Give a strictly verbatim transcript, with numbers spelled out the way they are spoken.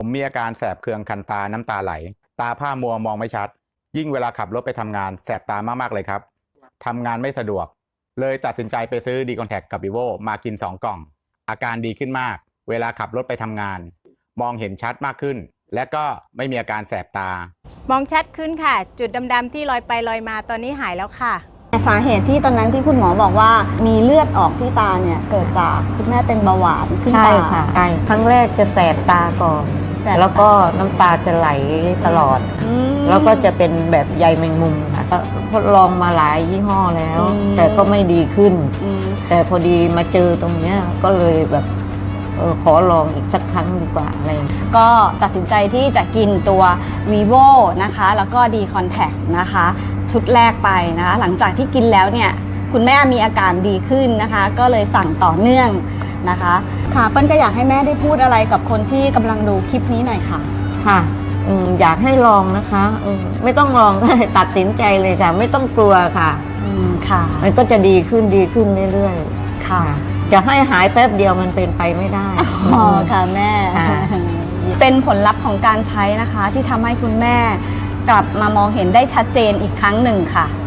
มีอาการแสบเคืองคันตาน้ำตาไหลตาผ้ามัวมองไม่ชัดยิ่งเวลาขับรถไปทำงานแสบตามากๆเลยครับทำงานไม่สะดวกเลยตัดสินใจไปซื้อดีคอนแทคกับ Vivo มากินสองกล่องอาการดีขึ้นมากเวลาขับรถไปทำงานมองเห็นชัดมากขึ้นและก็ไม่มีอาการแสบตามองชัดขึ้นค่ะจุดดำๆที่ลอยไปลอยมาตอนนี้หายแล้วค่ะสาเหตุที่ตอนนั้นที่คุณหมอบอกว่ามีเลือดออกที่ตาเนี่ยเกิดจากคุณแม่เป็นเบาหวานขึ้นตาใช่ค่ะใช่ครั้งแรกจะแสบตาก่อนแล้วก็น้ำตาจะไหลตลอดแล้วก็จะเป็นแบบใยแมงมุมค่ะทดลองมาหลายยี่ห้อแล้ว แต่ก็ไม่ดีขึ้นแต่พอดีมาเจอตรงเนี้ยก็เลยแบบเออขอลองอีกสักครั้งดีกว่าอะไรก็ตัดสินใจที่จะกินตัว vivo นะคะแล้วก็ D Contact นะคะชุดแรกไปนะคะหลังจากที่กินแล้วเนี่ยคุณแม่มีอาการดีขึ้นนะคะก็เลยสั่งต่อเนื่องนะคะค่ะเปิ้ลก็อยากให้แม่ได้พูดอะไรกับคนที่กำลังดูคลิปนี้หน่อยค่ะค่ะอยากให้ลองนะคะไม่ต้องลองก็เลยตัดสินใจเลยค่ะไม่ต้องกลัวค่ะค่ะมันก็จะดีขึ้นดีขึ้นเรื่อยๆค่ะจะให้หายแป๊บเดียวมันเป็นไปไม่ได้อ๋อค่ะแม่เป็นผลลัพธ์ของการใช้นะคะที่ทำให้คุณแม่กลับมามองเห็นได้ชัดเจนอีกครั้งหนึ่งค่ะ